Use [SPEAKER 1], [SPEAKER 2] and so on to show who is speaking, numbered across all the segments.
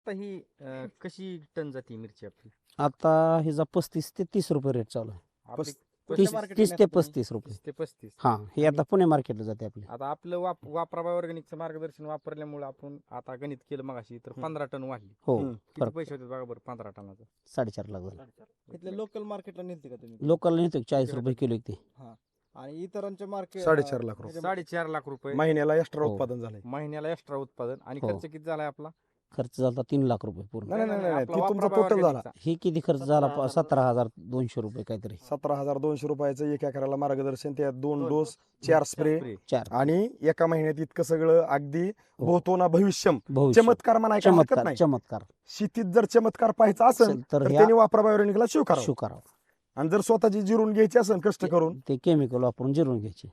[SPEAKER 1] आता ही कशी टन जाते मिरची आपली?
[SPEAKER 2] आता ह्याचा 35 ते 30 रुपये रेट चालू आहे.
[SPEAKER 1] आपली
[SPEAKER 3] कोणत्या
[SPEAKER 2] 30
[SPEAKER 3] market ला
[SPEAKER 2] 30 ते
[SPEAKER 3] नेता तुम्ही?
[SPEAKER 2] 35 रुपये.
[SPEAKER 1] 30 ते 35.
[SPEAKER 2] हा हे आता पुणे मार्केटला जाते आपली.
[SPEAKER 1] आता आपलं वापराबाई ऑर्गॅनिकचं मार्गदर्शन वापरल्यामुळे आपण आता गणित केलं मगाशी तर 15 टन वाढली.
[SPEAKER 2] हो
[SPEAKER 1] किती पैसे होते बघा बरं 15 टनाचं?
[SPEAKER 2] 4.5 लाख झालं.
[SPEAKER 3] इथल्या लोकल मार्केटला नेते का तुम्ही?
[SPEAKER 2] लोकलला नेतो 40 रुपये किलो ते.
[SPEAKER 3] आणि इतरांच्या मार्केट
[SPEAKER 4] 4.5 लाख रुपये.
[SPEAKER 1] 4.5 लाख रुपये
[SPEAKER 4] महिन्याला एक्स्ट्रा
[SPEAKER 2] हो.
[SPEAKER 4] उत्पादन झालंय.
[SPEAKER 1] महिन्याला एक्स्ट्रा उत्पादन आणि
[SPEAKER 2] हो.
[SPEAKER 1] खर्च किती झालाय आपला?
[SPEAKER 2] खर्च झाला 3 लाख रुपये पूर्ण.
[SPEAKER 4] नाही,
[SPEAKER 1] आपला
[SPEAKER 4] ती तुमचा
[SPEAKER 1] वापराबाई
[SPEAKER 4] total झाला.
[SPEAKER 1] ऑर्गॅनिकचा.
[SPEAKER 2] हे किती खर्च झाला 17,200 रुपये काहीतरी.
[SPEAKER 4] 17,200 रुपयाचं 1 एकराला मार्गदर्शन, त्यात 2 डोस, 4 स्प्रे
[SPEAKER 1] स्प्रे.
[SPEAKER 2] 4
[SPEAKER 4] आणि एका महिन्यात इतकं सगळं अगदी होतो ना भविष्यम.
[SPEAKER 2] भविष्य
[SPEAKER 4] चमत्कार म्हणायला हरकत
[SPEAKER 2] चमत्कार
[SPEAKER 4] नाही.
[SPEAKER 2] चमत्कार
[SPEAKER 4] शेतीत जर चमत्कार पाहायचा असेल
[SPEAKER 2] असेल
[SPEAKER 4] तर
[SPEAKER 2] तर
[SPEAKER 4] त्यांनी वापराबायोनिकला शिव करावं.
[SPEAKER 2] शू करावं.
[SPEAKER 4] आणि जर स्वतःची जिरून घ्यायची असेल कष्ट करून,
[SPEAKER 2] ते केमिकल वापरून जिरून घ्यायचे.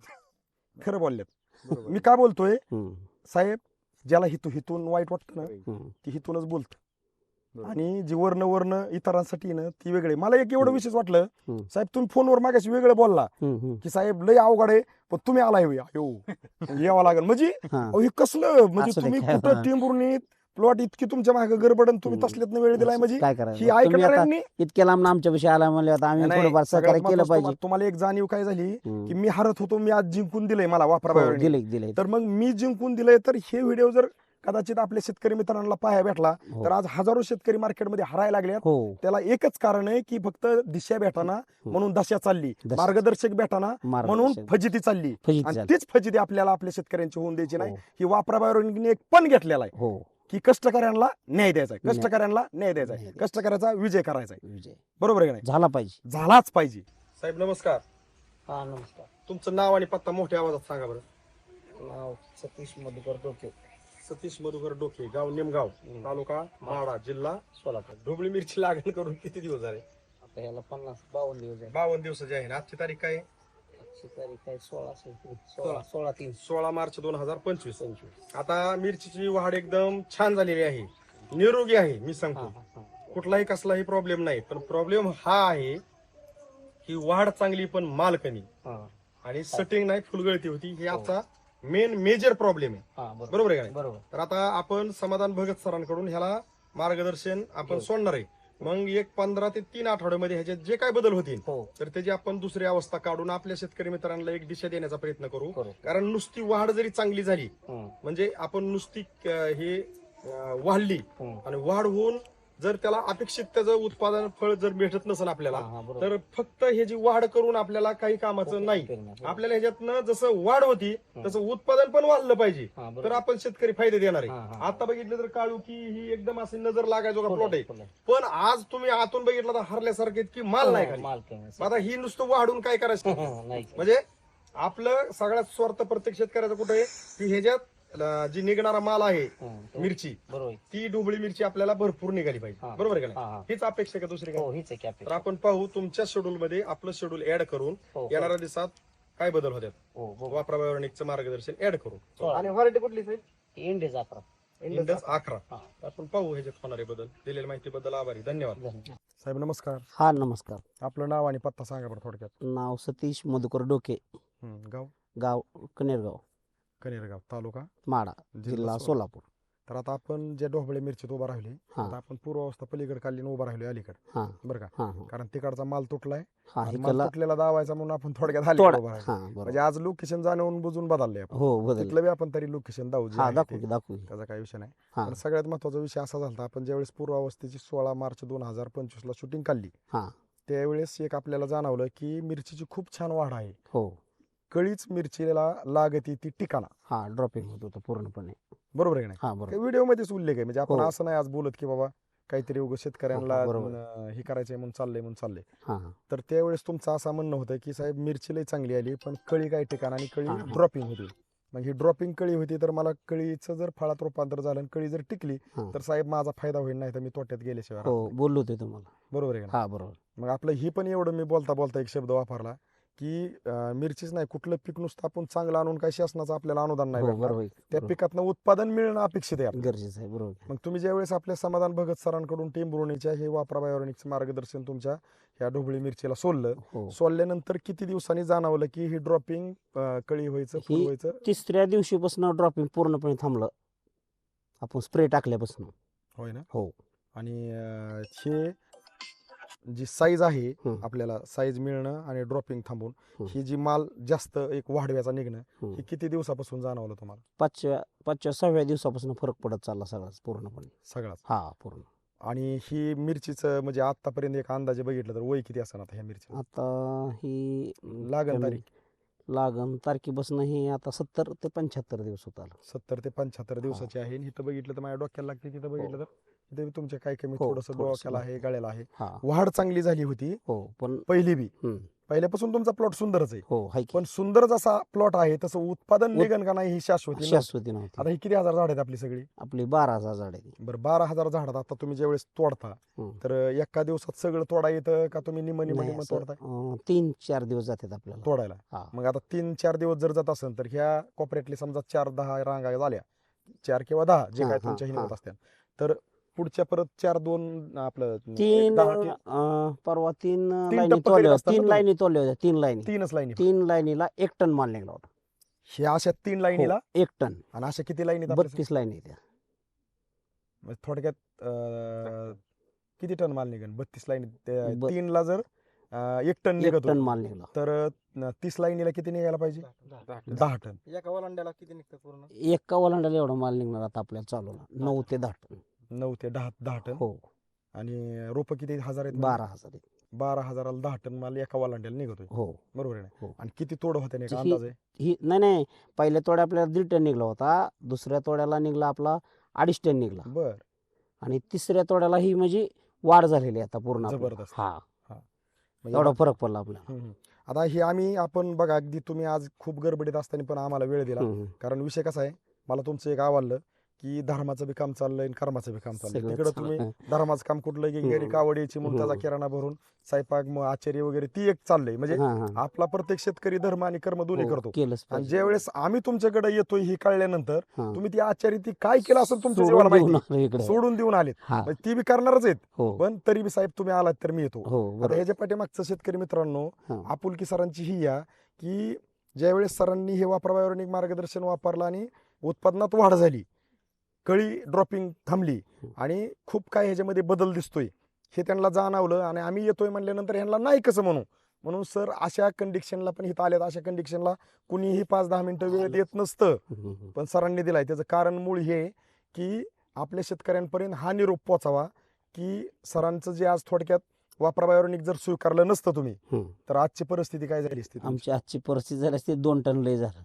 [SPEAKER 4] खरं बोलल्यात.
[SPEAKER 1] बरोबर.
[SPEAKER 4] मी का बोलतोय
[SPEAKER 2] हम्म,
[SPEAKER 4] साहेब, ज्याला हितून वाईट वाटतं ना
[SPEAKER 2] हम्म.
[SPEAKER 4] ती हितूनच बोलत.
[SPEAKER 1] बरोबर.
[SPEAKER 4] आणि जी वर्ण इतरांसाठी ना ती वेगळी. मला एक एवढं विशेष वाटलं
[SPEAKER 2] हम्म.
[SPEAKER 4] साहेब, तुम्ही फोनवर मागाशी वेगळं बोलला की साहेब लय अवघड आहे पण तुम्ही आलाय यावं लागेल म्हणजे
[SPEAKER 2] हा.
[SPEAKER 4] अहो, हे कसलं म्हणजे
[SPEAKER 2] असं ते
[SPEAKER 4] तुम्ही
[SPEAKER 2] काय
[SPEAKER 4] कुठं
[SPEAKER 2] हा.
[SPEAKER 4] टिंबुर्णीत प्लॉट इतकी तुमच्या मागे गडबडन तुम्ही
[SPEAKER 2] हम्म.
[SPEAKER 4] तसल्यात वेळ दिलाय म्हणजे
[SPEAKER 2] काय
[SPEAKER 4] ही
[SPEAKER 2] करायचं तुम्ही आता
[SPEAKER 4] ऐकणाऱ्यांनी
[SPEAKER 2] इतक्या लांब आमच्या विषयी आला म्हणले आता आम्ही
[SPEAKER 4] नाही,
[SPEAKER 2] थोडंफार
[SPEAKER 4] सगळ्यात
[SPEAKER 2] सहकार्य केलं
[SPEAKER 4] महत्त्वाचं
[SPEAKER 2] पाहिजे.
[SPEAKER 4] तुम्हाला एक जाणीव काय झाली
[SPEAKER 2] हम्म.
[SPEAKER 4] की मी हरत होतो, मी आज जिंकून दिलंय मला वापरा
[SPEAKER 2] हो, दिले
[SPEAKER 4] तर मग मी जिंकून दिलंय. तर हे व्हिडिओ जर कदाचित आपल्या शेतकरी मित्रांना पाहायला भेटला
[SPEAKER 2] हो.
[SPEAKER 4] तर आज हजारो शेतकरी मार्केटमध्ये हरायला लागल्यात.
[SPEAKER 2] हो
[SPEAKER 4] त्याला एकच कारण आहे की फक्त दिशा भेटाना म्हणून दशा चालली,
[SPEAKER 2] दशा.
[SPEAKER 4] मार्गदर्शक भेटाना म्हणून
[SPEAKER 2] मार्गदर्शन.
[SPEAKER 4] फजिती चालली.
[SPEAKER 2] फजिती
[SPEAKER 4] आणि
[SPEAKER 2] झाली.
[SPEAKER 4] तीच फजिती आपल्याला आपल्या शेतकऱ्यांची होऊन द्यायची नाही.
[SPEAKER 2] हो.
[SPEAKER 4] ही वापरा बायोनिकने एक पण घेतलेला आहे
[SPEAKER 2] हो
[SPEAKER 4] की कष्टकऱ्यांना न्याय द्यायचा आहे,
[SPEAKER 2] न्याय.
[SPEAKER 4] कष्टकऱ्यांना न्याय द्यायचा
[SPEAKER 2] न्याय
[SPEAKER 4] आहे,
[SPEAKER 2] द्यायचा.
[SPEAKER 4] कष्टकऱ्याचा विजय करायचा आहे.
[SPEAKER 2] विजय
[SPEAKER 4] बरोबर आहे का नाही?
[SPEAKER 2] झाला पाहिजे.
[SPEAKER 4] झालाच पाहिजे. साहेब नमस्कार.
[SPEAKER 2] हा नमस्कार.
[SPEAKER 4] तुमचं नाव आणि पत्ता मोठ्या आवाजात सांगा बरं.
[SPEAKER 2] नाव सतीश मधुकर डोके,
[SPEAKER 4] सतीश मधुकर डोके, गाव निमगाव, तालुका माडा, जिल्हा
[SPEAKER 2] सोलापूर.
[SPEAKER 4] ढोबळी मिरची लागण करून किती दिवस झाले?
[SPEAKER 2] आता ह्याला 52 दिवस आहे.
[SPEAKER 4] 52 दिवसाची आहे ना. आजची तारीख काय आहे?
[SPEAKER 2] आजची तारीख आहे 16
[SPEAKER 4] 16 मार्च 2025. आता मिरचीची वाढ एकदम छान झालेली आहे, निरोगी आहे. मी सांगतो कुठलाही कसलाही प्रॉब्लेम नाही. पण प्रॉब्लेम हा आहे की वाढ चांगली पण माल कमी आणि सेटिंग नाही, फुलगळती होती. हे आजचा मेजर प्रॉब्लेम आहे. बरोबर आहे का नाही?
[SPEAKER 2] बरोबर.
[SPEAKER 4] तर आता आपण समाधान भगत सरांकडून ह्याला मार्गदर्शन आपण सोडणार आहे. मग एक 15 ते 3 आठवड्यामध्ये ह्याच्यात जे काय बदल होतील
[SPEAKER 2] हो
[SPEAKER 4] तर त्याची आपण दुसरी अवस्था काढून आपल्या शेतकरी मित्रांना एक दिशा देण्याचा प्रयत्न करू.
[SPEAKER 2] करू.
[SPEAKER 4] कारण नुसती वाढ जरी चांगली झाली म्हणजे आपण नुसती हे वाढली आणि वाढ होऊन जर त्याला अपेक्षित त्याचं उत्पादन फळ जर भेटत नसेल आपल्याला तर फक्त हे जी वाढ करून आपल्याला काही कामाचं नाही. आपल्याला ह्याच्यातनं जसं वाढ होती तसं उत्पादन पण वाढलं पाहिजे तर आपण शेतकरी फायदे देणार आहे. आता बघितलं तर काळू की ही एकदम अशी नजर लागायचो का प्लॉट आहे. पण आज तुम्ही आतून बघितलं तर हरल्यासारखे की माल नाही खाली. आता ही नुसतं वाढून काय करायचं म्हणजे आपलं सगळ्यात स्वार्थ प्रत्येक शेतकऱ्याचं कुठे आहे की ह्याच्यात जी निघणारा माल आहे मिरची ती डुबळी मिरची आपल्याला भरपूर निघाली पाहिजे. बरोबर आहे का नाही? हीच अपेक्षा का दुसरी काय? तर आपण पाहू तुमच्या शेड्यूल मध्ये आपलं शेड्यूल ऍड करून येणाऱ्या दिवसात काय बदल होतात वापरा बायोनिकचं मार्गदर्शन ऍड करू. आणि व्हरायटी कुठली
[SPEAKER 2] इंडिया जात्रा
[SPEAKER 4] इंडस 11. आपण पाहू ह्याच्यात होणारे बदल. दिलेल्या माहितीबद्दल आभारी, धन्यवाद. साहेब नमस्कार.
[SPEAKER 2] हा नमस्कार.
[SPEAKER 4] आपलं नाव आणि पत्ता सांगा बरं थोडक्यात.
[SPEAKER 2] नाव सतीश मधुकर डोके,
[SPEAKER 4] गाव
[SPEAKER 2] गाव कनेरगाव,
[SPEAKER 4] कनेरगाव, तालुका
[SPEAKER 2] माडा, जिल्हा सोलापूर.
[SPEAKER 4] तर आता आपण ज्या ढोबळे मिरचीत उभा राहिली आता आपण पूर्वावस्था पलीकडे काढली उभा राहिलो अलीकडे.
[SPEAKER 2] हा
[SPEAKER 4] बरं का?
[SPEAKER 2] हा
[SPEAKER 4] कारण तिकडचा माल तुटलाय.
[SPEAKER 2] हा
[SPEAKER 4] आणि
[SPEAKER 2] इकडला
[SPEAKER 4] माल तुटलेला दावायचा म्हणून आपण थोडक्यात आली
[SPEAKER 2] थोडा
[SPEAKER 4] उभा राहिलो.
[SPEAKER 2] हा बरोबर.
[SPEAKER 4] म्हणजे आज लोकेशन जाणून बुजून बदलले आपण.
[SPEAKER 2] हो बदल.
[SPEAKER 4] तिथलं बी आपण तरी लोकेशन दाऊ जे
[SPEAKER 2] हा
[SPEAKER 4] आहे
[SPEAKER 2] दाखवू
[SPEAKER 4] ते.
[SPEAKER 2] की दाखवू की.
[SPEAKER 4] त्याचा काही विषय नाही.
[SPEAKER 2] हा
[SPEAKER 4] पण सगळ्यात महत्वाचा विषय असा झाला आपण ज्यावेळेस पूर्वावस्थेची 16 मार्च 2025 ला शूटिंग काढली
[SPEAKER 2] हा
[SPEAKER 4] त्यावेळेस एक आपल्याला जाणवलं की मिरचीची खूप छान वाढ आहे.
[SPEAKER 2] हो
[SPEAKER 4] कळीच मिरचीला लागती ती ठिकाणा.
[SPEAKER 2] हा ड्रॉपिंग होत होतं पूर्णपणे.
[SPEAKER 4] बरोबर आहे की
[SPEAKER 2] हा बरोबर.
[SPEAKER 4] नाही? व्हिडिओ मध्येच उल्लेख आहे. म्हणजे आपण
[SPEAKER 2] हो.
[SPEAKER 4] असं नाही आज बोलत की बाबा काहीतरी उगाच शेतकऱ्यांना
[SPEAKER 2] हो, बरोबर.
[SPEAKER 4] हे करायचंय म्हणून चाललंय.
[SPEAKER 2] हा हा
[SPEAKER 4] तर त्यावेळेस तुमचं असं म्हणणं होतं की साहेब मिरची लई चांगली आली पण कळी काही ठिकाणा आणि कळी
[SPEAKER 2] हा, हा.
[SPEAKER 4] ड्रॉपिंग होती. मग ही ड्रॉपिंग कळी होती तर मला कळीचं जर फळात रूपांतर झालं आणि कळी जर टिकली
[SPEAKER 2] हा.
[SPEAKER 4] तर साहेब माझा फायदा होईल, नाही तर मी तोट्यात गेल्याशिवाय
[SPEAKER 2] हो
[SPEAKER 4] राहत नाही.
[SPEAKER 2] बोललो होते तुम्हाला.
[SPEAKER 4] बरोबर आहे का नाही?
[SPEAKER 2] हा बरोबर.
[SPEAKER 4] मग आपलं ही पण एवढं मी बोलता एक शब्द वापरला की मिरचीच नाही कुठलं पीक नुसतं आपण चांगलं आणून काही शासनाचं आपल्याला अनुदान नाही
[SPEAKER 2] हो
[SPEAKER 4] भेटणार.
[SPEAKER 2] बरोबर
[SPEAKER 4] त्या
[SPEAKER 2] बरोबर.
[SPEAKER 4] पिकातनं उत्पादन मिळणं अपेक्षित आहे आपल्याला.
[SPEAKER 2] गरजेचं आहे बरोबर.
[SPEAKER 4] मग तुम्ही ज्यावेळेस आपल्या समाधान भगत सरांकडून टिंबुर्णीच्या हे वापरा बायोनिकचं मार्गदर्शन तुमच्या ह्या ढोबळी मिरचीला सोडलं,
[SPEAKER 2] हो
[SPEAKER 4] सोडल्यानंतर किती दिवसांनी जाणवलं की ही ड्रॉपिंग कळी व्हायचं, फुल
[SPEAKER 2] ही
[SPEAKER 4] व्हायचं?
[SPEAKER 2] 3ऱ्या दिवशीपासून ड्रॉपिंग पूर्णपणे थांबलं आपण स्प्रे टाकल्यापासून.
[SPEAKER 4] होय ना.
[SPEAKER 2] हो.
[SPEAKER 4] आणि हे जी साईज आहे
[SPEAKER 2] हं.
[SPEAKER 4] आपल्याला साईज मिळणं आणि ड्रॉपिंग थांबून
[SPEAKER 2] हं.
[SPEAKER 4] ही जी माल जास्त एक वाढव्याचा निघणं
[SPEAKER 2] हं.
[SPEAKER 4] ही किती दिवसापासून जाणवलं तुम्हाला?
[SPEAKER 2] 5व्या 6व्या दिवसापासून फरक पडत चालला सगळाच पूर्णपणे.
[SPEAKER 4] सगळाच.
[SPEAKER 2] हा पूर्ण.
[SPEAKER 4] आणि ही मिरचीचं म्हणजे आतापर्यंत एक अंदाजे बघितलं तर वय किती असणार आता ह्या मिरची?
[SPEAKER 2] आता ही
[SPEAKER 4] लागण तारीख
[SPEAKER 2] लागण तारखेपासून ही आता 70 ते 75 दिवस होत आलं.
[SPEAKER 4] 70 ते 75 दिवसाची आहे. आणि इथं बघितलं तर माझ्या डोक्याला लागते, तिथं बघितलं तर इथे तुमच्या काय कमी
[SPEAKER 2] हो,
[SPEAKER 4] थोडंसं
[SPEAKER 2] थोडंसं
[SPEAKER 4] डोक्याला आहे, गळ्याला आहे.
[SPEAKER 2] हा.
[SPEAKER 4] वाढ चांगली झाली होती
[SPEAKER 2] हो पण
[SPEAKER 4] पहिली बी.
[SPEAKER 2] हं.
[SPEAKER 4] पहिल्यापासून तुमचा प्लॉट सुंदरच आहे.
[SPEAKER 2] हो हाय की.
[SPEAKER 4] पण सुंदर जसा प्लॉट आहे तसं उत्पादन निघन का नाही ही शाश्वती नव्हती.
[SPEAKER 2] शाश्वती नव्हती.
[SPEAKER 4] आता ही किती हजार झाड आहेत आपली सगळी?
[SPEAKER 2] आपली 12,000 झाड आहे ती.
[SPEAKER 4] बरं 12,000 झाडात आता तुम्ही ज्यावेळेस तोडता
[SPEAKER 2] हं.
[SPEAKER 4] तर एका दिवसात सगळं तोडा येतं का तुम्ही निम
[SPEAKER 2] नाही,
[SPEAKER 4] निम
[SPEAKER 2] असं,
[SPEAKER 4] तोडताय
[SPEAKER 2] 3-4 दिवस जातात आपल्याला.
[SPEAKER 4] तोडायला?
[SPEAKER 2] हा.
[SPEAKER 4] मग आता 3-4 दिवस जर जात असेल तर ह्या कोपऱ्यातली समजा 4-10 रांगा झाल्या, 4 किंवा 10 जे
[SPEAKER 2] हा,
[SPEAKER 4] काय
[SPEAKER 2] हा,
[SPEAKER 4] तुमच्या
[SPEAKER 2] हा.
[SPEAKER 4] हिंमत असत्या, तर पुढच्या परत 4-2 आपलं
[SPEAKER 2] 3
[SPEAKER 4] 10
[SPEAKER 2] परवा 3
[SPEAKER 4] तीन
[SPEAKER 2] लाईनी
[SPEAKER 4] टप्पे
[SPEAKER 2] तोडल्या
[SPEAKER 4] करीत असता ना
[SPEAKER 2] 3
[SPEAKER 4] तुम्ही?
[SPEAKER 2] लाईनी तोडल्या होत्या. 3 लाईनी
[SPEAKER 4] 3च लाईनी
[SPEAKER 2] 3 लाईनीला 1 टन माल निघला होता.
[SPEAKER 4] ह्या अशा 3 लाईनीला
[SPEAKER 2] हो, 1 टन.
[SPEAKER 4] आणि अशा किती लाईनीत आपल्या
[SPEAKER 2] 32 लाईनी त्या.
[SPEAKER 4] म्हणजे थोडक्यात किती टन माल निघेल 32 लाईनीत?
[SPEAKER 2] ब-
[SPEAKER 4] 3 ला जर 1 टन
[SPEAKER 2] 1
[SPEAKER 4] निघत
[SPEAKER 2] टन
[SPEAKER 4] होतं,
[SPEAKER 2] माल निघला.
[SPEAKER 4] तर 30 लाईनीला किती निघायला पाहिजे? 10 टन.
[SPEAKER 3] एका वलांड्याला किती निघतं पूर्ण?
[SPEAKER 2] एका वलांडाला एवढा माल निघणार आता आपल्याला चालूला 9 ते 10 टन.
[SPEAKER 4] 9 ते 10 टन.
[SPEAKER 2] हो.
[SPEAKER 4] आणि रोप किती हजार आहेत?
[SPEAKER 2] 12,000 आहे.
[SPEAKER 4] 12,000ला 10 टन माल एका वालांड्याला निघतोय.
[SPEAKER 2] हो
[SPEAKER 4] बरोबर आहे ना?
[SPEAKER 2] हो.
[SPEAKER 4] आणि किती तोड होते नाही का
[SPEAKER 2] ही-
[SPEAKER 4] अंदाज आहे?
[SPEAKER 2] ही नाही पहिल्या तोड्या आपल्याला 1.5 टन निघला होता. दुसऱ्या तोड्याला निघला आपला 2.5 टन निघला.
[SPEAKER 4] बर.
[SPEAKER 2] आणि तिसऱ्या तोड्याला ही म्हणजे वाढ झालेली आहे आता पूर्ण आपल्याला.
[SPEAKER 4] जबरदस्त.
[SPEAKER 2] हा
[SPEAKER 4] म्हणजे
[SPEAKER 2] एवढा फरक पडला आपल्याला.
[SPEAKER 4] आता हे आपण बघा अगदी तुम्ही आज खूप गडबडीत असताना पण आम्हाला वेळ दिला.
[SPEAKER 2] हम्म.
[SPEAKER 4] कारण विषय कसा आहे, मला तुमचं एक आवडलं की धर्माचं बी काम चाललंय आणि कर्माचं बी काम चाललंय.
[SPEAKER 2] सगळं
[SPEAKER 4] तिकडे
[SPEAKER 2] चालू
[SPEAKER 4] तुम्ही
[SPEAKER 2] आहे.
[SPEAKER 4] धर्माचं काम कुठलं की घरी कावड यायची म्हणून त्याचा किराणा भरून स्वयंपाक मग आचार्य वगैरे ती एक चाललंय. म्हणजे
[SPEAKER 2] हा, हा.
[SPEAKER 4] आपला प्रत्येक शेतकरी धर्म आणि कर्म दोन्ही
[SPEAKER 2] हो,
[SPEAKER 4] करतो.
[SPEAKER 2] केलंच
[SPEAKER 4] आणि
[SPEAKER 2] पाहिजे.
[SPEAKER 4] ज्यावेळेस आम्ही तुमच्याकडे येतोय ही कळल्यानंतर
[SPEAKER 2] हा.
[SPEAKER 4] तुम्ही ती आचार्य ती काय केलं असेल तुमच्या
[SPEAKER 2] सोडून
[SPEAKER 4] जीवाला
[SPEAKER 2] देऊन
[SPEAKER 4] माहिती,
[SPEAKER 2] आलो इकडे.
[SPEAKER 4] सोडून देऊन आलेत.
[SPEAKER 2] हा.
[SPEAKER 4] म्हणजे ती बी करणारच आहेत.
[SPEAKER 2] हो
[SPEAKER 4] पण तरी बी साहेब तुम्ही आलात तर मी येतो.
[SPEAKER 2] हो
[SPEAKER 4] आता
[SPEAKER 2] बरोबर.
[SPEAKER 4] ह्याच्या पाठीमागचं शेतकरी मित्रांनो
[SPEAKER 2] हा.
[SPEAKER 4] आपुलकी सरांची ही या की ज्यावेळेस सरांनी हे वापरावयावरणिक मार्गदर्शन वापरलं आणि उत्पादनात वाढ झाली, कळी ड्रॉपिंग थांबली आणि खूप काय ह्याच्यामध्ये बदल दिसतोय हे त्यांना जाणवलं. आणि आम्ही येतोय म्हणल्यानंतर ह्यांना नाही कसं म्हणून सर अशा कंडिशनला पण इथं आल्यात. अशा कंडिशनला कुणीही 5-10 मिनिटं वेळ देत नसतं,
[SPEAKER 2] हम्म.
[SPEAKER 4] पण सरांनी दिलाय. त्याचं कारण मूळ हे की आपल्या शेतकऱ्यांपर्यंत हा निरोप पोचावा की सरांचं जे आज थोडक्यात वापरावयावरणिक जर स्वीकारलं नसतं तुम्ही
[SPEAKER 2] हम्म.
[SPEAKER 4] तर आजची परिस्थिती काय झाली असती तुमची?
[SPEAKER 2] आमची आजची परिस्थिती झाली असती 2 टन लय झालं.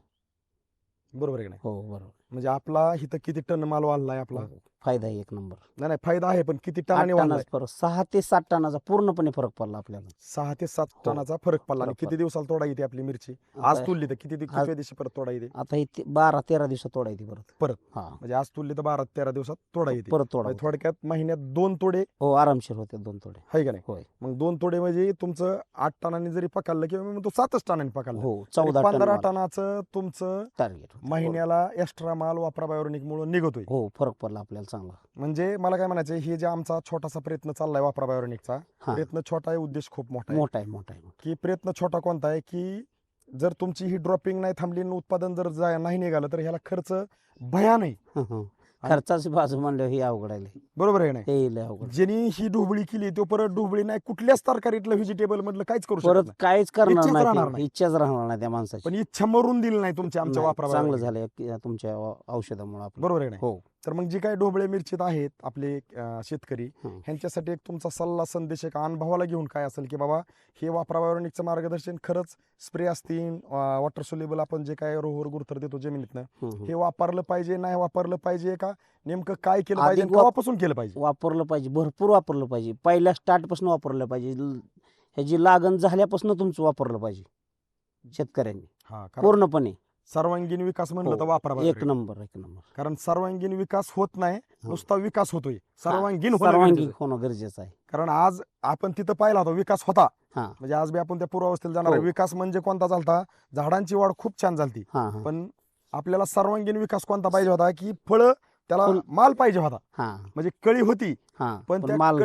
[SPEAKER 4] बरोबर आहे की नाही?
[SPEAKER 2] हो बरोबर.
[SPEAKER 4] म्हणजे आपला इथं किती टन माल वाढलाय आपला?
[SPEAKER 2] हो. फायदा आहे 1 नंबर.
[SPEAKER 4] नाही फायदा आहे, पण किती
[SPEAKER 2] 8
[SPEAKER 4] टनाने वाढलाय?
[SPEAKER 2] टनाचा फरक 6 ते 7 टनाचा पूर्णपणे फरक पडला आपल्याला.
[SPEAKER 4] 6 ते 7
[SPEAKER 2] हो.
[SPEAKER 4] टनाचा फरक पडला. आणि
[SPEAKER 2] फरक
[SPEAKER 4] किती
[SPEAKER 2] पडला.
[SPEAKER 4] दिवसाला तोडा येते आपली मिरची? आज
[SPEAKER 2] आता-
[SPEAKER 4] तुलली तर किती किती दिवशी परत तोडा येते?
[SPEAKER 2] आता ही 12-13 दिवसात तोडायची परत.
[SPEAKER 4] परत?
[SPEAKER 2] हा
[SPEAKER 4] म्हणजे आज तुलली तर 12-13 दिवसात तोडा येते.
[SPEAKER 2] परत तोडा.
[SPEAKER 4] म्हणजे थोडक्यात महिन्यात 2 तोडे
[SPEAKER 2] हो आरामशीर होते 2 तोडे.
[SPEAKER 4] आहे का नाही?
[SPEAKER 2] होय.
[SPEAKER 4] मग 2 तोडे म्हणजे तुमचं 8 टनांनी जरी पकडलं किंवा मग तो 7च टनांनी पकडलं
[SPEAKER 2] हो
[SPEAKER 4] तरी
[SPEAKER 2] 14
[SPEAKER 4] 15
[SPEAKER 2] टन
[SPEAKER 4] टनाचं तुमचं
[SPEAKER 2] टार्गेट.
[SPEAKER 4] महिन्याला एक्स्ट्रा माल वापरावयावरणिक मुळे निघतोय.
[SPEAKER 2] हो फरक पडला आपल्याला चांगला.
[SPEAKER 4] म्हणजे मला काय म्हणायचं, हे जे आमचा छोटासा प्रयत्न चाललाय वापरावयावरणिकचा,
[SPEAKER 2] हा.
[SPEAKER 4] प्रयत्न छोटा आहे, उद्देश खूप मोठा आहे.
[SPEAKER 2] मोठा आहे मोठा आहे.
[SPEAKER 4] की प्रयत्न छोटा कोणता आहे की जर तुमची ही ड्रॉपिंग नाही थांबली आणि उत्पादन जर नाही निघालं तर ह्याला खर्च भयान आहे.
[SPEAKER 2] खर्चाची बाजू म्हणल्यावर ही अवघड आहे.
[SPEAKER 4] बरोबर आहे नाही?
[SPEAKER 2] हे लय अवघड.
[SPEAKER 4] ज्यांनी ही ढोबळी केली तो परत ढोबळी नाही कुठल्याच तरकारीतलं व्हेजिटेबल मधलं काहीच करू शकत
[SPEAKER 2] परत
[SPEAKER 4] नाही.
[SPEAKER 2] काहीच करणार
[SPEAKER 4] इच्छाच राहणार
[SPEAKER 2] नाही.
[SPEAKER 4] नाही.
[SPEAKER 2] इच्छाच राहणार नाही त्या माणसाची.
[SPEAKER 4] पण इच्छा मरून दिली नाही तुमच्या आमच्या
[SPEAKER 2] नाही,
[SPEAKER 4] वापरावर.
[SPEAKER 2] चांगलं झालं तुमच्या औषधामुळे आपलं.
[SPEAKER 4] बरोबर आहे नाही?
[SPEAKER 2] हो
[SPEAKER 4] तर मग जी काही ढोबळे मिरचीत आहेत आपले शेतकरी,
[SPEAKER 2] हं.
[SPEAKER 4] ह्यांच्यासाठी एक तुमचा सल्ला संदेश एक अनुभवाला घेऊन काय असेल की बाबा हे वापरावयावरणिकचं मार्गदर्शन खरंच स्प्रे असतील वॉटर सोल्युबल आपण जे काय रोहर गुरथर देतो जमिनीतनं
[SPEAKER 2] हं.
[SPEAKER 4] हे वापरलं पाहिजे, नाही वापरलं पाहिजे का, नेमकं काय केलं
[SPEAKER 2] आधी
[SPEAKER 4] पाहिजे आणि केव्हापासून केलं पाहिजे?
[SPEAKER 2] वापरलं पाहिजे, भरपूर वापरलं पाहिजे. पहिल्या स्टार्ट पासून वापरलं पाहिजे. ह्याची लागण झाल्यापासून तुमचं वापरलं पाहिजे शेतकऱ्यांनी
[SPEAKER 4] हा, कारण
[SPEAKER 2] पूर्णपणे.
[SPEAKER 4] सर्वांगीण विकास म्हणलं
[SPEAKER 2] हो,
[SPEAKER 4] तर वापरा.
[SPEAKER 2] एक नंबर.
[SPEAKER 4] कारण सर्वांगीण विकास होत नाही, नुसता विकास होतोय. सर्वांगीण होणं
[SPEAKER 2] सर्वांगीण
[SPEAKER 4] गरजेचं आहे.
[SPEAKER 2] होणं गरजेचं आहे.
[SPEAKER 4] कारण आज आपण तिथं पाहिला होता विकास होता,
[SPEAKER 2] हा
[SPEAKER 4] म्हणजे आज बी आपण त्या पूर्वावस्थेला जाणार आहे.
[SPEAKER 2] हो.
[SPEAKER 4] विकास म्हणजे कोणता झालता? झाडांची वाढ खूप छान झालती,
[SPEAKER 2] हा हा
[SPEAKER 4] पण आपल्याला सर्वांगीण विकास कोणता पाहिजे होता की फळ त्याला
[SPEAKER 2] फुल-
[SPEAKER 4] माल पाहिजे होता.
[SPEAKER 2] हा
[SPEAKER 4] म्हणजे कळी होती
[SPEAKER 2] हा
[SPEAKER 4] पण त्या
[SPEAKER 2] माल.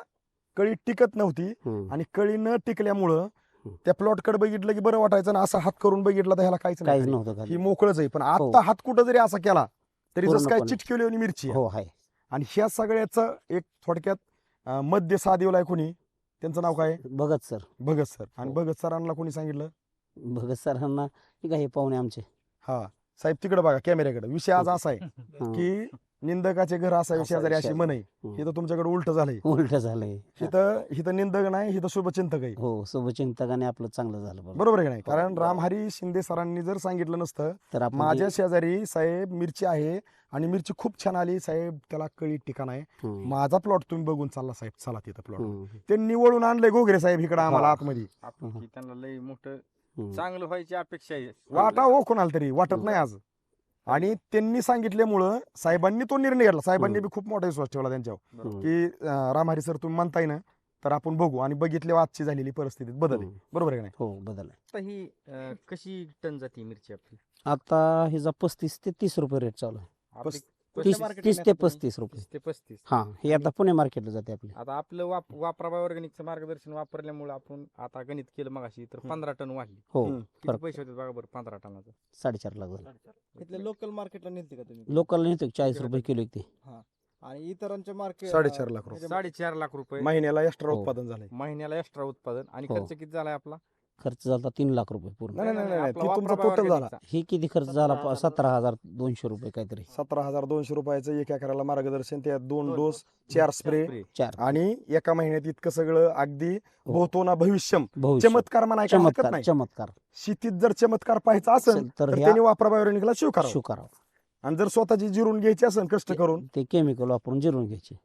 [SPEAKER 4] कळी टिकत नव्हती.
[SPEAKER 2] हं.
[SPEAKER 4] आणि कळी न टिकल्यामुळं
[SPEAKER 2] हं.
[SPEAKER 4] त्या प्लॉट कडे बघितलं की बरं वाटायचं ना, असं हात करून बघितलं तर ह्याला काहीच
[SPEAKER 2] काहीच
[SPEAKER 4] नाही,
[SPEAKER 2] नव्हतं
[SPEAKER 4] ही
[SPEAKER 2] खाली.
[SPEAKER 4] मोकळच आहे. पण
[SPEAKER 2] हो.
[SPEAKER 4] आता हात कुठं जरी असा केला तरी जसं काय
[SPEAKER 2] पूर्णपणे.
[SPEAKER 4] चिटकिवली मिरची आहे.
[SPEAKER 2] हो आहे.
[SPEAKER 4] आणि ह्या सगळ्याचं एक थोडक्यात मध्य साधीवलाय कोणी, त्यांचं नाव काय?
[SPEAKER 2] भगत सर.
[SPEAKER 4] भगत सर. आणि
[SPEAKER 2] हो.
[SPEAKER 4] भगत सरांना कोणी सांगितलं?
[SPEAKER 2] भगत सरांना ठीक आहे, हे पाहुणे आमचे.
[SPEAKER 4] हा साहेब तिकडे बघा कॅमेऱ्याकडे. विषय आज असा आहे
[SPEAKER 2] हा.
[SPEAKER 4] की निंदकाचे घर असावे
[SPEAKER 2] असावे
[SPEAKER 4] शेजारी अशी
[SPEAKER 2] शेजारी.
[SPEAKER 4] म्हण आहे.
[SPEAKER 2] हम्म.
[SPEAKER 4] हे तर तुमच्याकडे उलट झालंय.
[SPEAKER 2] उलट झालंय.
[SPEAKER 4] इथं निंदक नाही, इथं शुभचिंतक आहे.
[SPEAKER 2] हो, शुभचिंतकाने आपलं चांगलं झालं बघा.
[SPEAKER 4] बरोबर आहे का नाही?
[SPEAKER 2] हो,
[SPEAKER 4] कारण
[SPEAKER 2] बरोबर.
[SPEAKER 4] रामहरी शिंदे सरांनी जर सांगितलं नसतं
[SPEAKER 2] तर आपण
[SPEAKER 4] माझ्या शेजारी साहेब मिरची आहे आणि मिरची खूप छान आली साहेब, त्याला कळी ठिकाण आहे,
[SPEAKER 2] हम्म.
[SPEAKER 4] माझा प्लॉट तुम्ही बघून चालला साहेब, चला तिथं प्लॉट.
[SPEAKER 2] हम्म.
[SPEAKER 4] ते निवडून आणलंय घोगरे साहेब इकडे आम्हाला
[SPEAKER 2] हा.
[SPEAKER 4] आतमध्ये.
[SPEAKER 1] आपण की त्यांना लय मोठं
[SPEAKER 2] हम्म.
[SPEAKER 1] चांगलं व्हायची अपेक्षा आहे.
[SPEAKER 4] वाटा हो कोणाला तरी वाटत नाही आज. आणि त्यांनी सांगितल्यामुळं साहेबांनी तो निर्णय घेतला. साहेबांनी बी खूप मोठा विश्वास ठेवला त्यांच्यावर
[SPEAKER 1] बरोबर.
[SPEAKER 4] की रामहरी सर तुम्ही म्हणताय ना, तर आपण बघू. आणि बघितले आजची झालेली परिस्थितीत बदल आहे.
[SPEAKER 2] हम्म.
[SPEAKER 4] बरोबर आहे का नाही?
[SPEAKER 2] हो, बदल आहे.
[SPEAKER 1] आता ही कशी टन जाते मिरची आपली?
[SPEAKER 2] आता हिचा 35 ते 30 रुपये रेट चालू आहे.
[SPEAKER 1] आपली
[SPEAKER 2] 30
[SPEAKER 3] market
[SPEAKER 2] 30
[SPEAKER 3] ला
[SPEAKER 2] ते
[SPEAKER 3] नेता तुम्ही?
[SPEAKER 2] 35 रुपये.
[SPEAKER 1] 30 ते 35.
[SPEAKER 2] हा, हे आता पुणे मार्केटला जाते आपली.
[SPEAKER 1] आता आपलं वापराबाई ऑर्गॅनिकचं मार्गदर्शन वापरल्यामुळे आपण आता गणित केलं मगाशी तर 15 टन वाढली.
[SPEAKER 2] हो,
[SPEAKER 1] किती
[SPEAKER 2] फरक
[SPEAKER 1] पैसे होते बघा बरं 15 टनाचं?
[SPEAKER 2] 4.5 लाख झालं.
[SPEAKER 3] इथल्या लोकल मार्केटला नेते का तुम्ही?
[SPEAKER 2] लोकल नेतो 40 रुपये किलो एक ते.
[SPEAKER 3] आणि इतरांच्या मार्केट
[SPEAKER 4] 4.5 लाख रुपये.
[SPEAKER 1] 4.5 लाख रुपये
[SPEAKER 4] महिन्याला एक्स्ट्रा
[SPEAKER 2] हो.
[SPEAKER 4] उत्पादन झालंय.
[SPEAKER 1] महिन्याला एक्स्ट्रा उत्पादन. आणि
[SPEAKER 2] हो.
[SPEAKER 1] खर्च किती झालाय आपला?
[SPEAKER 2] खर्च झाला 3 लाख रुपये पूर्ण.
[SPEAKER 4] नाही, नाही, नाही,
[SPEAKER 1] आपला
[SPEAKER 4] ते तुमचा
[SPEAKER 1] वापराबाई
[SPEAKER 4] total झाला.
[SPEAKER 1] ऑर्गॅनिकचा.
[SPEAKER 2] हे किती खर्च झाला? 17,200 रुपये काहीतरी.
[SPEAKER 4] 17,200 रुपयाचं 1 एकराला मार्गदर्शन, त्यात 2
[SPEAKER 1] दोन
[SPEAKER 4] डोस, 4 स्प्रे,
[SPEAKER 2] 4
[SPEAKER 4] आणि एका महिन्यात इतकं सगळं अगदी होतो ना भविष्यम.
[SPEAKER 2] भविष्य.
[SPEAKER 4] चमत्कार म्हणायला हरकत
[SPEAKER 2] चमत्कार
[SPEAKER 4] नाही.
[SPEAKER 2] चमत्कार
[SPEAKER 4] शेतीत जर चमत्कार पाहायचा असेल
[SPEAKER 2] तर
[SPEAKER 4] तर
[SPEAKER 2] ह्या
[SPEAKER 4] त्यांनी वापराबायोनिकला स्वीकारावं.
[SPEAKER 2] स्वीकारावं.
[SPEAKER 4] आणि जर स्वतःची जिरून घ्यायची असेल कष्ट करून,
[SPEAKER 2] ते केमिकल वापरून जिरून घ्यायचे.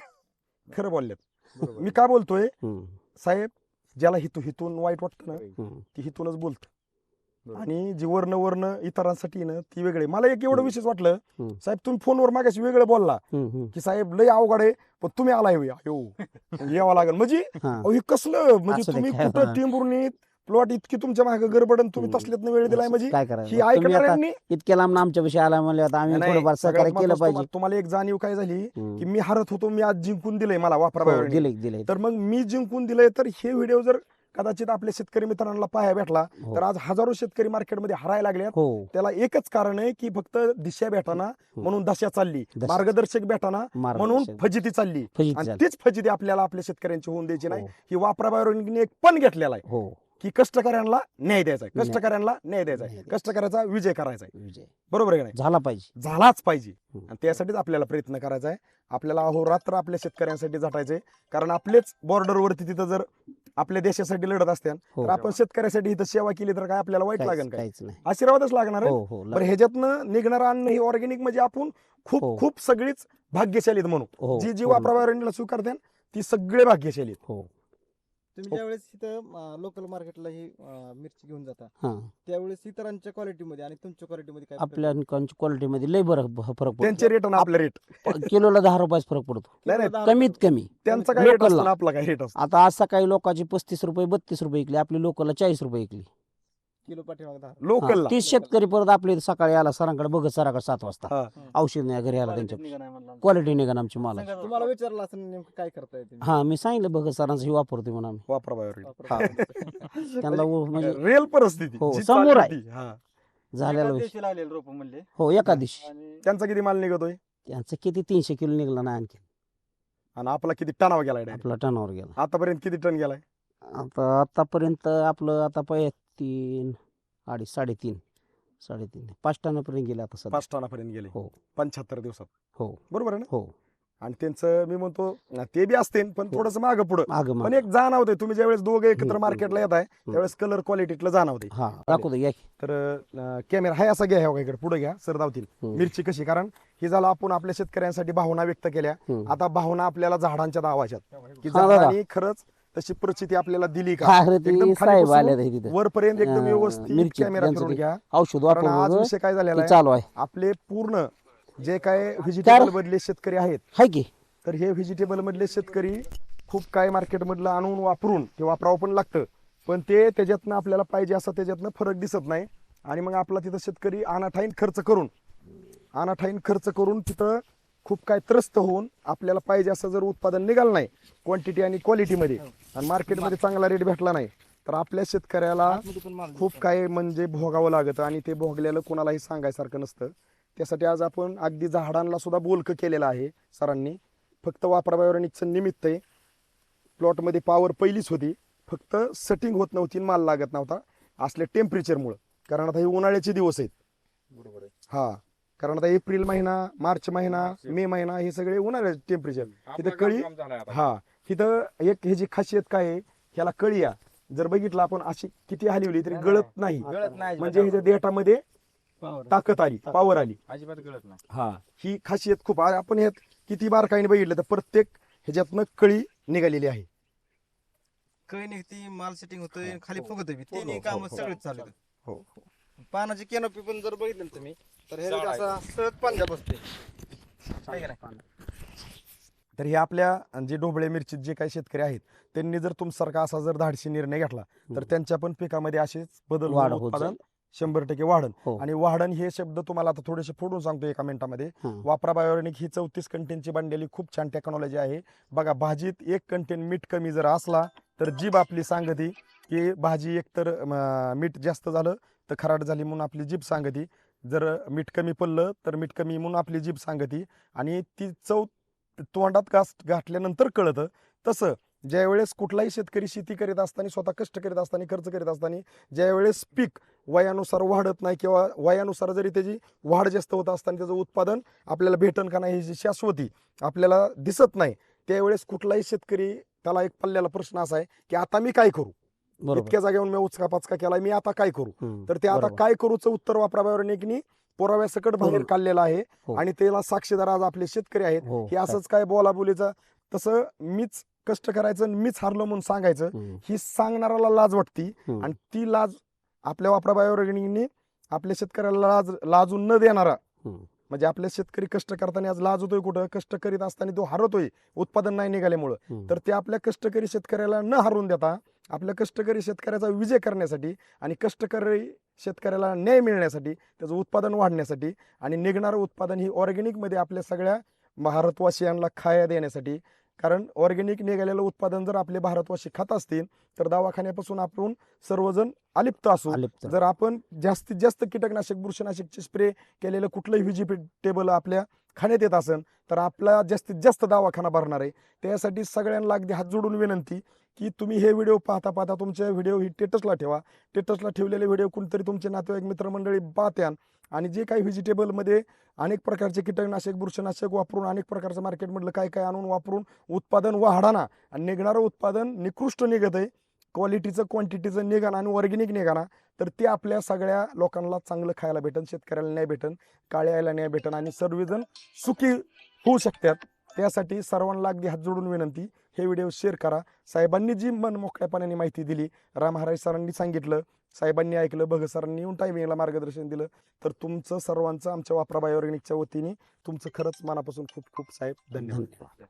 [SPEAKER 4] खरं बोलल्यात.
[SPEAKER 1] बरोबर.
[SPEAKER 4] मी का बोलतोय
[SPEAKER 2] हम्म.
[SPEAKER 4] साहेब, ज्याला हितून वाईट वाटतं ना
[SPEAKER 2] हम्म.
[SPEAKER 4] ती हितूनच बोलत.
[SPEAKER 1] बरोबर.
[SPEAKER 4] आणि जी वर्ण इतरांसाठी ना ती वेगळी. मला एक एवढं विशेष वाटलं
[SPEAKER 2] हम्म.
[SPEAKER 4] साहेब, तुम्ही फोनवर मागाशी वेगळं बोलला
[SPEAKER 2] हम्म.
[SPEAKER 4] की साहेब लय अवघड आहे पण तुम्ही आलाय होय. यावं लागेल म्हणजे
[SPEAKER 2] हा.
[SPEAKER 4] अहो, हे कसलं म्हणजे
[SPEAKER 2] असं
[SPEAKER 4] तुम्ही
[SPEAKER 2] काय?
[SPEAKER 4] कुठं
[SPEAKER 2] हा.
[SPEAKER 4] टिंबुर्णीत प्लॉट इतकी तुमच्या मागे गडबडन तुम्ही
[SPEAKER 2] हम्म.
[SPEAKER 4] तसल्यात वेळ दिलाय म्हणजे
[SPEAKER 2] काय
[SPEAKER 4] ही
[SPEAKER 2] करायचं तुम्ही आता
[SPEAKER 4] ऐकणाऱ्यांनी.
[SPEAKER 2] इतक्या लांब आमच्या विषयी आला म्हणले आता आम्ही
[SPEAKER 4] नाही,
[SPEAKER 2] थोडंफार
[SPEAKER 4] सगळ्यात
[SPEAKER 2] सहकार्य केलं
[SPEAKER 4] महत्त्वाचं
[SPEAKER 2] पाहिजे.
[SPEAKER 4] तुम्हाला एक जाणीव काय झाली
[SPEAKER 2] हम्म.
[SPEAKER 4] की मी हरत होतो, मी आज जिंकून दिलंय मला
[SPEAKER 2] हो,
[SPEAKER 4] वापरा.
[SPEAKER 2] दिले
[SPEAKER 4] तर मग मी जिंकून दिलंय, तर हे व्हिडिओ जर कदाचित आपल्या शेतकरी मित्रांना पाहायला भेटला
[SPEAKER 2] हो.
[SPEAKER 4] तर आज हजारो शेतकरी मार्केटमध्ये हरायला लागल्यात.
[SPEAKER 2] हो,
[SPEAKER 4] त्याला एकच कारण आहे की फक्त दिशा भेटाना म्हणून दशा चालली,
[SPEAKER 2] दशा.
[SPEAKER 4] मार्गदर्शक भेटाना म्हणून
[SPEAKER 2] मार्गदर्शक.
[SPEAKER 4] फजिती चालली.
[SPEAKER 2] फजिती
[SPEAKER 4] आणि
[SPEAKER 2] झाली.
[SPEAKER 4] तीच फजिती आपल्याला आपल्या शेतकऱ्यांची होऊन द्यायची नाही.
[SPEAKER 2] हो.
[SPEAKER 4] ही वापरा बायोनिकने एक पण घेतलेला आहे
[SPEAKER 2] हो,
[SPEAKER 4] की कष्टकऱ्यांना न्याय द्यायचा आहे,
[SPEAKER 2] न्याय.
[SPEAKER 4] कष्टकऱ्यांना न्याय द्यायचा आहे,
[SPEAKER 2] न्याय द्यायचा.
[SPEAKER 4] कष्टकऱ्याचा विजय करायचा आहे.
[SPEAKER 2] विजय
[SPEAKER 4] बरोबर आहे का नाही?
[SPEAKER 2] झाला पाहिजे.
[SPEAKER 4] झालाच पाहिजे.
[SPEAKER 2] हम्म.
[SPEAKER 4] आणि त्यासाठीच आपल्याला प्रयत्न करायचा आहे. आपल्याला अहोरात्र आपल्या शेतकऱ्यांसाठी झटायचंय. कारण आपलेच बॉर्डरवरती तिथं जर आपल्या देशासाठी लढत असत्या
[SPEAKER 2] हो.
[SPEAKER 4] तर आपण शेतकऱ्यासाठी इथं सेवा केली तर काय आपल्याला वाईट लागेल काय?
[SPEAKER 2] काहीच नाही.
[SPEAKER 4] आशीर्वादच लागणार आहे.
[SPEAKER 2] हो, हो,
[SPEAKER 4] बरं, ह्याच्यातनं निघणारं अन्न हे ऑर्गॅनिक म्हणजे आपण खूप
[SPEAKER 2] हो.
[SPEAKER 4] खूप सगळीच भाग्यशाली आहेत म्हणू.
[SPEAKER 2] हो,
[SPEAKER 4] जी जी
[SPEAKER 2] पूर्ण.
[SPEAKER 4] वापराबायोनिकला स्वीकारते ती सगळे भाग्यशाली आहेत.
[SPEAKER 2] हो,
[SPEAKER 3] तुम्ही ज्यावेळेस इथं लोकल मार्केटला ही मिरची घेऊन जाता
[SPEAKER 2] हा.
[SPEAKER 3] त्यावेळेस इतरांच्या क्वालिटीमध्ये आणि तुमच्या क्वालिटीमध्ये काय फरक
[SPEAKER 2] आपल्या क्वालिटी मध्ये लय बरं फरक
[SPEAKER 4] त्यांचे रेट आणि आपले रेट
[SPEAKER 2] पडतो. किलोला 10 रुपयाचा फरक पडतो.
[SPEAKER 4] नाही, नाही,
[SPEAKER 3] किलोला
[SPEAKER 2] कमीत कमी.
[SPEAKER 4] त्यांचा काय रेट
[SPEAKER 2] लोकलला.
[SPEAKER 4] असतो आणि आपला काय रेट असतो.
[SPEAKER 2] आता आज सकाळी लोकांची 35 रुपये 32 रुपये विकली, आपली लोकलला 40 रुपये विकली.
[SPEAKER 3] किलो पाठीमागे 10?
[SPEAKER 4] लोकलला
[SPEAKER 2] 30 शेतकरी परत आपले सकाळी आला सरांकडे बघत सराकडे 7 वाजता
[SPEAKER 4] हा.
[SPEAKER 2] औषध नाही घरी आला त्यांच्या क्वालिटी निघा आमची माला.
[SPEAKER 3] तुम्हाला विचारलं असं नेमकं काय करताय तुम्ही?
[SPEAKER 2] हा, मी सांगितलं बघत सरांचं हे वापरतोय म्हणून आम्ही.
[SPEAKER 4] वापराबायोनिक
[SPEAKER 2] हा. त्यांना म्हणजे
[SPEAKER 4] रिअल परिस्थिती
[SPEAKER 2] हो,
[SPEAKER 4] जी
[SPEAKER 2] समोर आहे.
[SPEAKER 4] चालली ती. हा.
[SPEAKER 2] झालेला विषय.
[SPEAKER 1] लागलेलं रोप म्हणले.
[SPEAKER 2] हो, एका दिवशी.
[SPEAKER 1] आणि
[SPEAKER 4] त्यांचा किती माल निघतोय
[SPEAKER 2] त्यांचं किती 300 किलो निघला नाही आणखी.
[SPEAKER 4] आणि आपला किती टनावर गेलाय direct?
[SPEAKER 2] आपला टनावर गेला.
[SPEAKER 4] आतापर्यंत किती टन गेलाय?
[SPEAKER 2] आतापर्यंत आपलं आता 3, 2.5, 3.5 5 टनापर्यंत गेले आता सध्या.
[SPEAKER 4] 5 टनापर्यंत गेले
[SPEAKER 2] हो.
[SPEAKER 4] 75 दिवसात.
[SPEAKER 2] हो,
[SPEAKER 4] बरोबर आहे ना?
[SPEAKER 2] हो.
[SPEAKER 4] आणि त्यांचं मी म्हणतो ते बी असते पण
[SPEAKER 2] हो.
[SPEAKER 4] थोडस मागं पुढं.
[SPEAKER 2] मागं
[SPEAKER 4] पण
[SPEAKER 2] मागं.
[SPEAKER 4] एक जाणवते तुम्ही ज्यावेळेस दोघे एकत्र
[SPEAKER 2] हम्म.
[SPEAKER 4] मार्केटला येत आहे त्यावेळेस कलर क्वालिटीतलं जाणवते.
[SPEAKER 2] हा, दाखवतो या की.
[SPEAKER 4] तर कॅमेरा हाय असा घ्या इकडे पुढे घ्या सर धावतील.
[SPEAKER 2] हम्म.
[SPEAKER 4] मिरची कशी, कारण ही झालं आपण आपल्या शेतकऱ्यांसाठी भावना व्यक्त केल्या.
[SPEAKER 2] हम्म.
[SPEAKER 4] आता भावना आपल्याला झाडांच्या दावाच्यात की
[SPEAKER 2] हा, दादा.
[SPEAKER 4] झाडांनी खरंच तशी परिस्थिती आपल्याला दिली का?
[SPEAKER 2] काय रे ती
[SPEAKER 4] एकदम
[SPEAKER 2] साहेब
[SPEAKER 4] खाली
[SPEAKER 2] आले तिथे
[SPEAKER 4] वरपर्यंत एकदम व्यवस्थित
[SPEAKER 2] मिरची
[SPEAKER 4] कॅमेरा
[SPEAKER 2] त्यांचं
[SPEAKER 4] फिरून
[SPEAKER 2] ते
[SPEAKER 4] घ्या.
[SPEAKER 2] औषध
[SPEAKER 4] कारण आज
[SPEAKER 2] वापरून
[SPEAKER 4] विषय काय झालेला आहे,
[SPEAKER 2] चालू आहे.
[SPEAKER 4] आपले पूर्ण जे काय व्हेजिटेबल मधले शेतकरी आहेत
[SPEAKER 2] हाय की.
[SPEAKER 4] तर हे व्हेजिटेबल मधले शेतकरी खूप काय मार्केट मधलं आणून वापरून ते वापरावं पण लागतं, पण ते त्याच्यातनं आपल्याला पाहिजे असं त्याच्यातनं फरक दिसत नाही. आणि मग आपला तिथं शेतकरी अनाठाईन खर्च करून तिथं खूप काय त्रस्त होऊन आपल्याला पाहिजे असं जर उत्पादन निघालं नाही क्वांटिटी आणि क्वालिटीमध्ये आणि मार्केटमध्ये चांगला रेट भेटला नाही तर आपल्या शेतकऱ्याला खूप काय म्हणजे भोगावं लागतं. आणि ते भोगलेलं कोणालाही सांगायसारखं नसतं.
[SPEAKER 5] त्यासाठी आज आपण अगदी झाडांना सुद्धा बोलकं केलेलं आहे सरांनी. फक्त वापरा बायोरेनिकचं निमित्त आहे. प्लॉटमध्ये पॉवर पहिलीच होती, फक्त सेटिंग होत नव्हती, माल लागत नव्हता असल्या टेम्परेचरमुळं. कारण आता हे उन्हाळ्याचे दिवस आहेत.
[SPEAKER 4] बरोबर आहे.
[SPEAKER 5] हा, कारण आता एप्रिल महिना, मार्च महिना, मे महिना हे सगळे उन्हाळ्याचे टेम्परेचर.
[SPEAKER 1] आपला
[SPEAKER 5] तिथं कळी
[SPEAKER 1] काम झालाय आता.
[SPEAKER 5] हा, तिथं एक ह्याची खासियत काय आहे, ह्याला कळी या जर बघितलं आपण अशी किती हलवली तरी गळत नाही.
[SPEAKER 1] गळत नाही
[SPEAKER 5] म्हणजे ह्याच्या देठामध्ये ताकद आली, पॉवर आली.
[SPEAKER 1] अजिबात गळत नाही.
[SPEAKER 5] हा, ही खासियत खूप आपण ह्यात किती बारकाईने बघितलं तर प्रत्येक ह्याच्यातनं कळी निघालेली आहे.
[SPEAKER 3] कळी निघती, माल सेटिंग होतोय, खाली फुगतोय बी.
[SPEAKER 5] हो,
[SPEAKER 3] तिन्ही
[SPEAKER 5] हो,
[SPEAKER 3] काम
[SPEAKER 5] हो,
[SPEAKER 3] सगळेच चालू आहेत.
[SPEAKER 5] हो.
[SPEAKER 3] पानाची कॅनोपी पण जर बघितलं ना तुम्ही तर हे
[SPEAKER 1] जाड आहे.
[SPEAKER 3] असा सहज पांजा बसते. आहे का नाही?
[SPEAKER 5] तर हे आपल्या जे ढोबळे मिरचीत जे काही शेतकरी आहेत त्यांनी जर तुमच्यासारखा असा जर धाडसी निर्णय घेतला तर त्यांच्या पण पिकामध्ये असेच बदल
[SPEAKER 2] वाढ
[SPEAKER 5] होऊन
[SPEAKER 2] होत
[SPEAKER 5] उत्पादन
[SPEAKER 2] जाईल.
[SPEAKER 5] 100% वाढन.
[SPEAKER 2] हो.
[SPEAKER 5] आणि वाढण हे शब्द तुम्हाला आता थोडेसे फोडून सांगतो एका मिनिटामध्ये.
[SPEAKER 2] हं.
[SPEAKER 5] वापरा बायोरेनिक ही 34 कंटेनची बनलेली खूप छान टेक्नॉलॉजी आहे. बघा, भाजीत 1 कंटेन मीठ कमी जर असला तर जीभ आपली सांगती की भाजी एकतर मीठ जास्त झालं तर खराट झाली म्हणून आपली जीभ सांगती, जर मीठ कमी पडलं तर मीठ कमी म्हणून आपली जीभ सांगती. आणि ती चव तोंडात घातल्यानंतर कळतं. तसं ज्यावेळेस कुठलाही शेतकरी शेती करीत असताना, स्वतः कष्ट करीत असताना, खर्च करीत असताना, ज्यावेळेस पीक वयानुसार वाढत नाही किंवा वयानुसार जरी त्याची वाढ जास्त होत असताना त्याचं उत्पादन आपल्याला भेटन का नाही ही शाश्वती आपल्याला दिसत नाही, त्यावेळेस कुठलाही शेतकरी त्याला एक पल्ल्याला प्रश्न असा आहे की आता मी काय करू.
[SPEAKER 2] बरोबर.
[SPEAKER 5] इतक्या जागेवर मी उचका पाचका केला, मी आता काय करू.
[SPEAKER 2] हं.
[SPEAKER 5] तर ते आता
[SPEAKER 2] बरोबर.
[SPEAKER 5] काय करूचं उत्तर वापरा बायोरेनिकनी पुराव्यासकट बाहेर काढलेलं आहे.
[SPEAKER 2] हो.
[SPEAKER 5] आणि त्याला साक्षीदार आज आपले शेतकरी आहेत.
[SPEAKER 2] हो.
[SPEAKER 5] हे असंच काय बोलाबोलीचं, तसं मीच कष्ट करायचं आणि मीच हारलो म्हणून सांगायचं,
[SPEAKER 2] हं.
[SPEAKER 5] ही सांगणाऱ्याला लाज वाटती.
[SPEAKER 2] हं.
[SPEAKER 5] आणि ती लाज आपल्या वापरा बायोरेनिकनी आपल्या शेतकऱ्याला लाजून न देणारा,
[SPEAKER 2] हं.
[SPEAKER 5] म्हणजे आपले शेतकरी कष्ट करताना आज लाज होतोय, कुठं कष्ट करीत असताना तो हरतोय उत्पादन नाही निघाल्यामुळं.
[SPEAKER 2] हं.
[SPEAKER 5] तर ते आपल्या कष्टकरी शेतकऱ्याला न हरवून देता आपल्या कष्टकरी शेतकऱ्याचा विजय करण्यासाठी आणि कष्टकरी शेतकऱ्याला न्याय मिळण्यासाठी, त्याचं उत्पादन वाढण्यासाठी आणि निघणारं उत्पादन ही ऑर्गॅनिकमध्ये आपल्या सगळ्या भारतवासियांना खाया देण्यासाठी. कारण ऑर्गॅनिक निघालेलं उत्पादन जर आपले भारतवासी खात असतील तर दवाखान्यापासून आपण सर्वजण अलिप्त असू.
[SPEAKER 2] अलिप्त.
[SPEAKER 5] जर आपण जास्तीत जास्त कीटकनाशक, बुरशीनाशकचे स्प्रे केलेलं कुठलंही व्हेजिटेबल आपल्या खाण्यात येत असेल तर आपला जास्तीत जास्त दवाखाना भरणार आहे. त्यासाठी सगळ्यांना अगदी हात जोडून विनंती की तुम्ही हे व्हिडिओ पाहता पाहता तुमच्या व्हिडिओ ही स्टेटसला ठेवा. स्टेटसला ठेवलेले व्हिडिओ कोणतरी तुमचे नातेवाईक मित्रमंडळी पाहत्यान आणि जे काही व्हेजिटेबलमध्ये अनेक प्रकारचे कीटकनाशक, बुरशीनाशक वापरून, अनेक प्रकारचं मार्केटमधलं काय काय आणून वापरून उत्पादन वाढाना आणि निघणारं उत्पादन निकृष्ट निघत आहे, क्वालिटीचं क्वांटिटीचं निघाना आणि ऑर्गॅनिक निघाना, तर ते आपल्या सगळ्या लोकांना चांगलं खायला भेटन, शेतकऱ्याला न्याय भेटन, काळ्याला न्याय भेटन आणि सर्वजण सुखी होऊ शकतात. त्यासाठी सर्वांना अगदी हात जोडून विनंती, हे व्हिडिओ शेअर करा. साहेबांनी जी मन मोकळ्यापणाने माहिती दिली, राम हराय सरांनी सांगितलं, साहेबांनी ऐकलं, भगत सरांनी येऊन टायमिंगला मार्गदर्शन दिलं, तर तुमचं सर्वांचं आमच्या वापरा बायोऑर्गॅनिकच्या वतीने तुमचं खरंच मनापासून खूप खूप साहेब धन्यवाद.
[SPEAKER 2] धन्यवाद.